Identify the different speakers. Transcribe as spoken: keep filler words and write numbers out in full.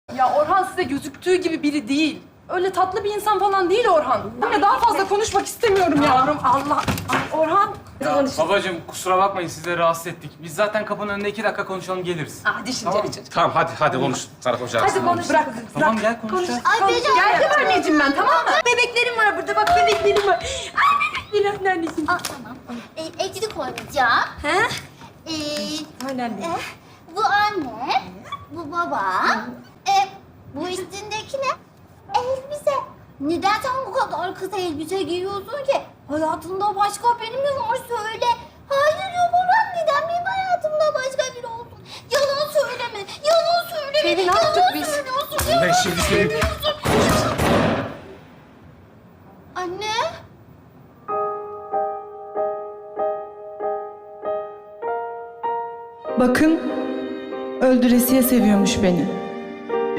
Speaker 1: Ya Orhan size gözüktüğü gibi biri değil. Öyle tatlı bir insan falan değil Orhan. Ya daha fazla konuşmak istemiyorum yavrum. Allah. Ay Orhan.
Speaker 2: Ya, babacığım kusura bakmayın sizleri rahatsız ettik. Biz zaten kapının önünde iki dakika konuşalım geliriz.
Speaker 1: Ah düşünceli
Speaker 2: Tamam.
Speaker 1: çocuk.
Speaker 3: Tamam hadi hadi konuş Sarı Hoca.
Speaker 1: Hadi konuş. Bırak.
Speaker 2: Tamam
Speaker 1: bırak.
Speaker 2: gel konuşacağız.
Speaker 4: Ay
Speaker 1: Konuş.
Speaker 4: Beyza.
Speaker 1: Geldim anneciğim ben, tamam mı? Bebeklerim var burada, bak bebeklerim var. Ay bebeklerim anneciğim.
Speaker 4: Aa, tamam. Ee, evcilik oynayacağım.
Speaker 1: He?
Speaker 4: Ee,
Speaker 1: Aynen.
Speaker 4: eh, bu anne, bu baba. E, bu üstündeki ne? Elbise. Neden sen bu kadar kısa elbise giyiyorsun ki? Hayatında başka biri mi var söyle. Hayır yok Orhan, neden benim hayatımda başka biri olsun? Yalan söyleme, yalan söyleme.
Speaker 1: Selin, ne
Speaker 4: yalan
Speaker 1: yaptık biz?
Speaker 4: söylüyorsun,
Speaker 3: Ben
Speaker 4: yalan
Speaker 3: şimdi seni...
Speaker 4: Anne.
Speaker 5: Bakın, öldüresiye seviyormuş beni.